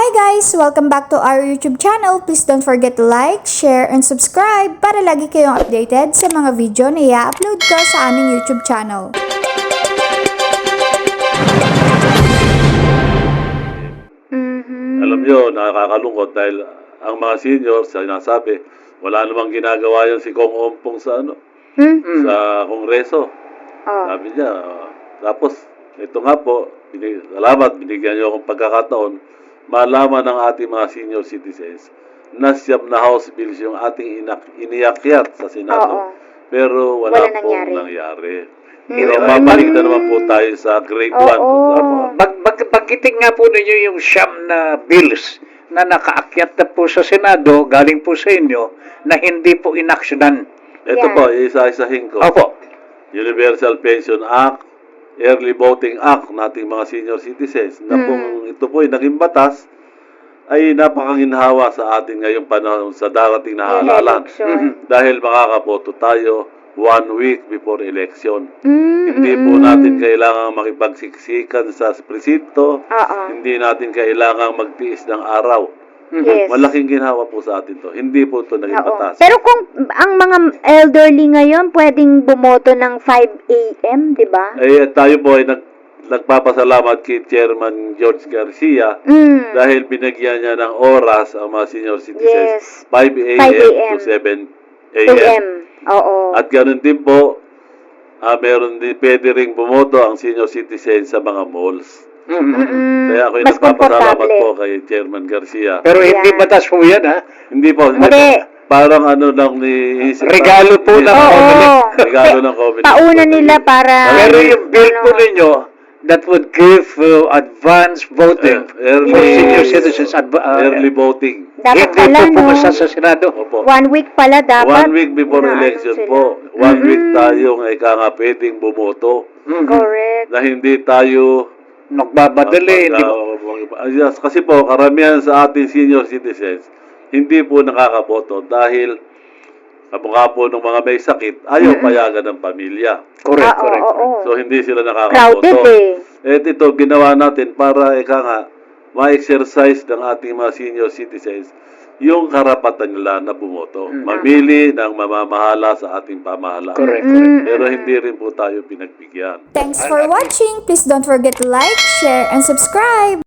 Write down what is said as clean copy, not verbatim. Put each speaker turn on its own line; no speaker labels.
Hi guys! Welcome back to our YouTube channel. Please don't forget to like, share, and subscribe para lagi kayong updated sa mga video na i-upload ko sa aming YouTube channel.
Alam nyo, nakakalungkot dahil ang mga seniors, sinasabi, wala namang ginagawa yan si Kong Ompong sa sa Kongreso. Sabi niya, tapos ito nga po, salamat, binigyan niyo akong pagkakataon, malaman ng ating mga senior citizens na siyam na House bills yung ating iniakyat sa Senado. Pero wala pong nangyari. Pero mabalik na naman po tayo sa grade 1.
Pagkiting nga po ninyo yung siyam na bills na nakaakyat na po sa Senado, galing po sa inyo, na hindi po inaksyonan.
Ito po, isa-isahin ko.
Opo.
Universal Pension Act, Early Voting Act ng ating mga senior citizens na kung ito po ay naging batas, ay napakaginhawa sa atin ngayong panahon sa darating na halalan. Dahil makakaboto tayo 1 week before election. Hindi po natin kailangang makipagsiksikan sa presinto. Hindi natin kailangang magtiis ng araw.
Yes.
Malaking ginhawa po sa atin to. Hindi po ito naging batas.
Pero kung ang mga elderly ngayon pwedeng bumoto ng 5 a.m., di ba?
Eh, tayo po ay nagpapasalamat kay Chairman George Garcia dahil binigyan niya ng oras ang mga senior citizens. 5 a.m. to 7 a.m.
Oo.
At ganoon din po, meron din pwede ring bumoto ang senior citizens sa mga malls. Kaya ako'y
Mas
nagpapasalamat
komportable
po kay Chairman Garcia.
Pero hindi batas po yan, ha?
Hindi po.
Hindi.
Parang ano lang ni...
Regalo po ng Comelec.
Regalo ng Comelec.
Pauna nila para...
Pero yung bill po ninyo, that would give advance voting for senior citizens.
Early voting.
Dapat
Hindi
pala,
po
no?
pumasa sa Senado.
Opo.
1 week pala dapat.
1 week before election
sila.
po. 1 week tayo nga pwedeng bumoto.
Correct.
Na hindi tayo...
Nagbabadali.
Yes, kasi po, karamihan sa ating senior citizens, hindi po nakakaboto dahil kamukha po ng mga may sakit, ayaw payagan ng pamilya.
Correct.
So, hindi sila nakakaboto.
Crowded
Eh, ito, ginawa natin para, ma-exercise ng ating mga senior citizens yung karapatan nila na bumoto. Mamili ng mamamahala sa ating pamahalaan.
Correct.
Pero hindi rin po tayo pinagbigyan.
Thanks for watching. Please don't forget to like, share, and subscribe.